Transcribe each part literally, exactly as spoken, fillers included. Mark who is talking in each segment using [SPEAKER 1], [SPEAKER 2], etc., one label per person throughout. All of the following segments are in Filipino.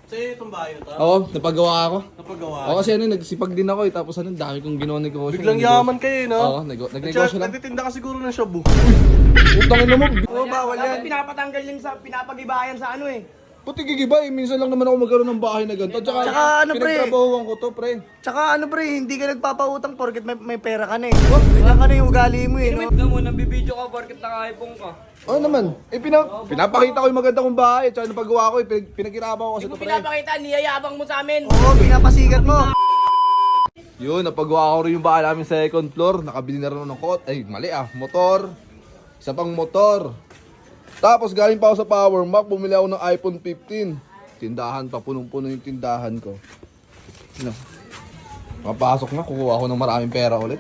[SPEAKER 1] Sa'yo itong bahay na to?
[SPEAKER 2] Oo, napagawa ako.
[SPEAKER 1] Napagawa?
[SPEAKER 2] Oo, kasi ano, nagsipag din ako eh. Tapos ano, dami kong ginawa negosyo.
[SPEAKER 1] Biglang yaman kayo eh, no?
[SPEAKER 2] Oo, nag- nagnegosyo lang.
[SPEAKER 1] Nagtitinda ka siguro ng shabu.
[SPEAKER 2] Utangin mo.
[SPEAKER 3] Oo, bawal yan. Dapat pinapatanggal yung sa pinapagibayan sa ano eh.
[SPEAKER 2] Puti gigiba eh. Minsan lang naman ako magkaroon ng bahay na ganito. Tsaka,
[SPEAKER 3] Tsaka ano, pre?
[SPEAKER 2] pinagtrabahuan ko to, pre.
[SPEAKER 3] Tsaka ano pre, hindi ka nagpapautang porket may, may pera ka na eh. Oh, ganyan ka na yung ugali mo eh. No?
[SPEAKER 4] Tignan mo, nabibideo ka porket naka-iPhone ka.
[SPEAKER 2] Oo naman. Eh, pina- pinapakita ko yung maganda kong bahay. Tsaka napagawa ko eh. Pinag- pinagkirapan ko kasi
[SPEAKER 3] Hindi mo
[SPEAKER 2] to, pre.
[SPEAKER 3] pinapakita, niyayabang mo sa amin. Oo, pinapasigat mo.
[SPEAKER 2] Yun, napagawa ko rin yung bahay namin sa second floor. Nakabili na rin ako ng kot. Ay, mali ah. Motor. Isa pang motor. Tapos galing pa ako sa Power Mac. Bumili ako ng iPhone fifteen. Tindahan pa. Punong-puno yung tindahan ko. Ano? Mapasok na. Kukuha ako ng maraming pera ulit.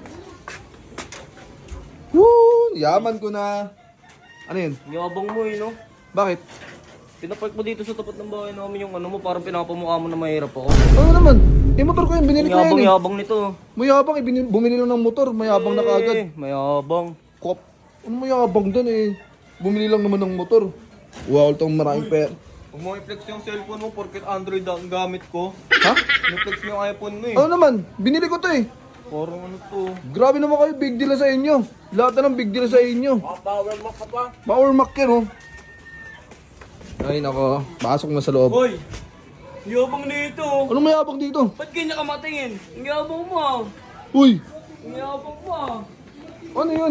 [SPEAKER 2] Woo! Yaman ko na. Ano yun?
[SPEAKER 4] Yabang mo eh, no?
[SPEAKER 2] Bakit?
[SPEAKER 4] Pinapark mo dito sa tapat ng bahay namin yung ano mo, parang pinapamukha mo na mahirap ako.
[SPEAKER 2] Ano naman? Eh, motor ko yun. Binili ko
[SPEAKER 4] Yabang
[SPEAKER 2] yan eh.
[SPEAKER 4] yabang nito.
[SPEAKER 2] Mayabang. Eh, bini- bumili lang ng motor. Mayabang na kagad.
[SPEAKER 4] Eh, mayabang.
[SPEAKER 2] Kop. Ano mayabang dun eh? Bumili lang naman ng motor. Wow, itong maraming pera.
[SPEAKER 1] Huwag mo i-flex yung cellphone mo porket Android ang gamit ko.
[SPEAKER 2] Ha?
[SPEAKER 1] I-flex mo yung iPhone mo eh.
[SPEAKER 2] Ano naman? Binili ko to eh.
[SPEAKER 1] Parang ano to.
[SPEAKER 2] Grabe naman kayo, big deal na sa inyo. Lahat na ng big deal sa inyo.
[SPEAKER 1] Power mo ka pa.
[SPEAKER 2] Power Mac yan oh. Ay nako, pasok na sa loob.
[SPEAKER 4] Hoy! Yabang nito.
[SPEAKER 2] Anong mayabang dito?
[SPEAKER 4] Ba't ganyan ka matingin? Ang yabang mo ah.
[SPEAKER 2] Uy,
[SPEAKER 4] Ang yabang mo ah.
[SPEAKER 2] ano yun?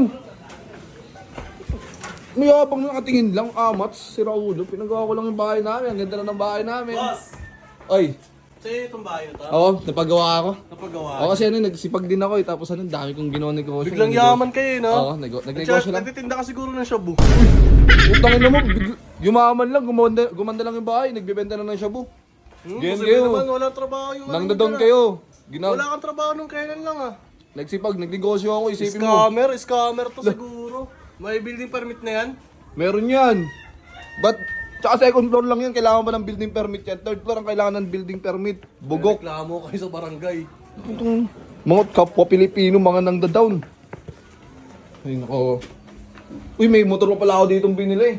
[SPEAKER 2] Mayabang na nakatingin lang, amats, si Raulo. Pinagawa ko lang yung bahay namin, ang ganda na ng bahay namin.
[SPEAKER 1] Boss!
[SPEAKER 2] Ay,
[SPEAKER 1] Sa'yo itong bahay na to?
[SPEAKER 2] oo, napagawa ako.
[SPEAKER 1] Napagawa?
[SPEAKER 2] Oo, kasi ano, nagsipag din ako eh. Tapos ano, dami kong ginawa negosyo.
[SPEAKER 1] Biglang
[SPEAKER 2] Nagnegosyo-
[SPEAKER 1] yaman kayo eh, no?
[SPEAKER 2] Oo, nag- nagnegosyo lang.
[SPEAKER 1] Nagtitinda ka siguro ng shabu.
[SPEAKER 2] Utangin mo, bigla- yumaman lang, gumanda, gumanda lang yung bahay, nagbebenta na ng shabu.
[SPEAKER 1] Hmm,
[SPEAKER 2] Ganyan
[SPEAKER 1] kasi
[SPEAKER 2] kayo.
[SPEAKER 1] naman, walang trabaho yung
[SPEAKER 2] Nang
[SPEAKER 1] ano
[SPEAKER 2] doon
[SPEAKER 1] ka.
[SPEAKER 2] kayo. Gina-
[SPEAKER 1] Wala kang trabaho nung kailan lang ah.
[SPEAKER 2] Nagsipag, nagnegosyo ako, isipin mo.
[SPEAKER 1] Scammer, scammer to siguro. May building permit na yan?
[SPEAKER 2] Meron yan. But, tsaka second floor lang yan, kailangan ba ng building permit yan? Third floor ang kailangan ng building permit. Bugok.
[SPEAKER 1] Reklamo kayo sa barangay.
[SPEAKER 2] Itong mga kapwa Pilipino, mga nang down. Ay, nako. Uy, may motor pa pala ako ditong binili.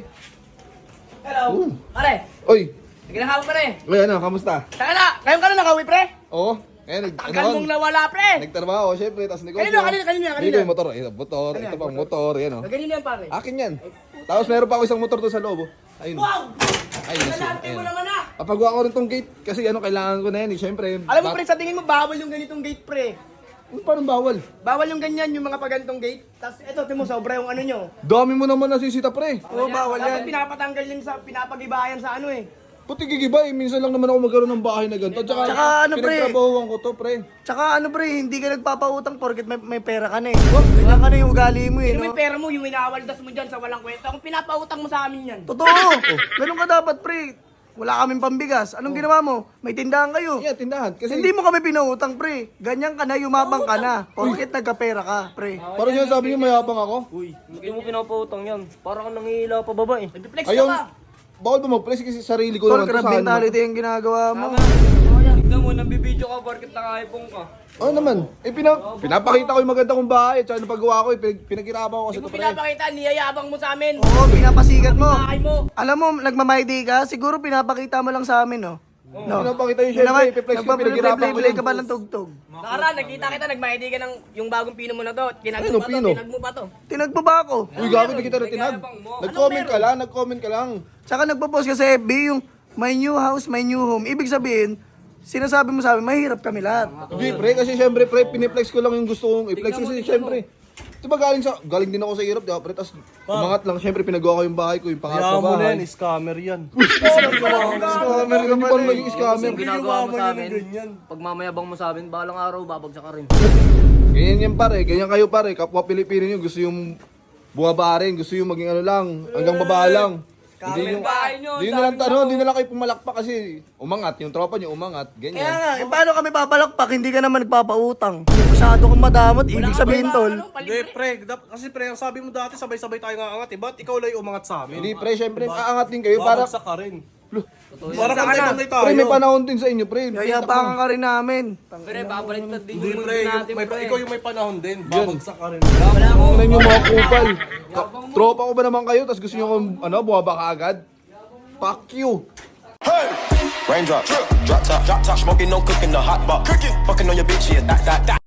[SPEAKER 3] Hello. Pare,
[SPEAKER 2] Uy,
[SPEAKER 3] nagkinahawa pa rin.
[SPEAKER 2] uy, ano, kamusta?
[SPEAKER 3] Taka na, ngayon ka na nakauwi pre.
[SPEAKER 2] Oo. Eh, nag,
[SPEAKER 3] Tagal mong nawala pre.
[SPEAKER 2] Nagtrabaho, syempre, tapos negosyo.
[SPEAKER 3] Kanino, kanino, kanino, kanino?
[SPEAKER 2] Dito yung motor, eh, motor, ito pang motor, yan o.
[SPEAKER 3] Ganyan yan pare.
[SPEAKER 2] Akin yan. Tapos meron pa ako isang motor doon sa loob. oh. Ayun.
[SPEAKER 3] Wow!
[SPEAKER 2] Ayun.
[SPEAKER 3] Galante mo
[SPEAKER 2] Ayun.
[SPEAKER 3] naman ah.
[SPEAKER 2] Papagawa ko rin tong gate kasi ano, kailangan ko na yan eh. Syempre.
[SPEAKER 3] Alam mo pre, sa tingin mo bawal yung ganitong gate pre.
[SPEAKER 2] Ano, parang bawal?
[SPEAKER 3] Bawal yung ganyan, yung mga pagantong gate. Tapos eto, timo sobra yung ano nyo.
[SPEAKER 2] Dami mo naman nasisita pre.
[SPEAKER 3] Oo, bawal yan. Dapat pinapatanggal yung sa pinapagibayan sa ano eh.
[SPEAKER 2] Puti gigiba eh. Minsan lang naman ako magkaroon ng bahay na ganito. Tsaka,
[SPEAKER 3] Tsaka ano, pre?
[SPEAKER 2] pinagtrabahuan ko to pre.
[SPEAKER 3] Tsaka ano pre, hindi ka nagpapautang porket may, may pera ka na eh. Oh, ganyan ka na yung ugali mo eh.
[SPEAKER 4] Yung
[SPEAKER 3] No?
[SPEAKER 4] may pera mo, yung inawaldas mo dyan sa walang kwenta. Kung pinapautang mo sa amin yan.
[SPEAKER 3] Totoo! Ganun ka dapat pre. Wala kaming pambigas. Anong ginawa mo? May tindahan kayo.
[SPEAKER 2] Yeah, tindahan. Kasi
[SPEAKER 3] Hindi mo kami pinautang pre. Ganyan ka na, yumabang ka na. Porket nagkapera ka pre.
[SPEAKER 2] parang siya sabi niyo mayabang ako.
[SPEAKER 4] Uy, hindi mo pinapautang yan. Parang kang nangihila pa baba eh.
[SPEAKER 3] Nag-flex
[SPEAKER 2] Ayaw,
[SPEAKER 3] ka ba?
[SPEAKER 2] bawal ba mag-flex kasi sarili ko
[SPEAKER 3] Tol,
[SPEAKER 2] naman to
[SPEAKER 3] crab
[SPEAKER 2] sa ano.
[SPEAKER 3] mentality yung ginagawa mo.
[SPEAKER 4] Tignan mo, nabibideo ka porket naka-iPhone ka.
[SPEAKER 2] Oo naman. Eh, pina, pinapakita ko yung maganda kong bahay. Tsaka napagawa ko eh. Pinag, pinagkirapan ko kasi
[SPEAKER 4] Hindi mo
[SPEAKER 2] to pre.
[SPEAKER 4] pinapakita, niyayabang mo sa amin.
[SPEAKER 3] Oo, pinapasigat mo.
[SPEAKER 4] Bahay mo.
[SPEAKER 3] Alam mo, nagmamayday ka, siguro pinapakita mo lang sa amin, no? No.
[SPEAKER 2] Pinapakita yung
[SPEAKER 3] Yun naman,
[SPEAKER 2] syempre. Ipiplex ko, pinaghirapan ko
[SPEAKER 3] nagpa-play
[SPEAKER 2] yun.
[SPEAKER 3] ka ba ng tugtog?
[SPEAKER 4] Nakara, nakita kita, nagmahidi ka ng yung bagong pino mo na to. Kinag
[SPEAKER 2] Ano,
[SPEAKER 4] mo pa to,
[SPEAKER 2] pino?
[SPEAKER 4] kinag mo pa to.
[SPEAKER 3] Tinag mo ba ako?
[SPEAKER 2] Uy, gabi na kita na tinag.
[SPEAKER 4] Nagayabang mo.
[SPEAKER 2] Nag-comment ka lang, nag-comment ka lang.
[SPEAKER 3] Tsaka nagpo-post ka sa F B yung my new house, my new home. Ibig sabihin, sinasabi mo sa amin, mahirap kami lahat.
[SPEAKER 2] Hindi, pre, kasi syempre, pre, piniplex ko lang yung gusto kong i-flex kasi syempre. Diba galing sa, galing din ako sa hirap, diba, pre, tas umangat lang, syempre, pinagawa ko yung bahay ko, yung pangarap
[SPEAKER 1] Kaya
[SPEAKER 2] ko
[SPEAKER 1] mo na
[SPEAKER 2] bahay.
[SPEAKER 1] yan, scammer yan.
[SPEAKER 2] Scammer, hindi pa rin maging scammer.
[SPEAKER 4] Yung ginagawa mo sa amin,
[SPEAKER 1] ganyan.
[SPEAKER 4] pag mamayabang mo sa amin, balang araw, babagsak ka rin.
[SPEAKER 2] Ganyan yan pare, ganyan kayo pare, kapwa Pilipino nyo, gusto yung bumaba rin, gusto yung maging ano lang, hanggang baba lang. Hindi yung,
[SPEAKER 4] bahay nyo,
[SPEAKER 2] hindi na lang, ano, hindi na lang kayo pumalakpak kasi umangat, yung tropa nyo umangat,
[SPEAKER 3] Kaya
[SPEAKER 2] ganyan.
[SPEAKER 3] nga, eh, paano kami papalakpak? Hindi ka naman nagpapautang. Masyado kang madamot, ibig sabihin, tol.
[SPEAKER 1] Hindi, pre, dap- kasi pre, ang sabi mo dati, sabay-sabay tayo nga angat eh. Ba't ikaw lang yung umangat sa amin?
[SPEAKER 2] Hindi pre, syempre, aangat din kayo para,
[SPEAKER 1] Babagsak ka rin.
[SPEAKER 2] Loh,
[SPEAKER 1] Para pantay-pantay tayo.
[SPEAKER 2] pre, may panahon din sa inyo, pre.
[SPEAKER 3] Yayabangan ka rin namin.
[SPEAKER 4] Pre, babaliktad din
[SPEAKER 1] Hindi,
[SPEAKER 4] yung
[SPEAKER 1] pre,
[SPEAKER 4] mundo
[SPEAKER 1] yung,
[SPEAKER 4] natin,
[SPEAKER 1] may,
[SPEAKER 4] pre.
[SPEAKER 1] ikaw yung may panahon din. Babagsak ka rin.
[SPEAKER 2] Tingnan nyo mga kupal. Ka- Tropa ko ba naman kayo, tapos gusto nyo akong, ano, buwaba ka agad? Fuck you.
[SPEAKER 5] Raindrop, drop top, drop top, smoking, no cooking, the hot pot. Cooking, fucking on your bitch, yeah, that, that, that.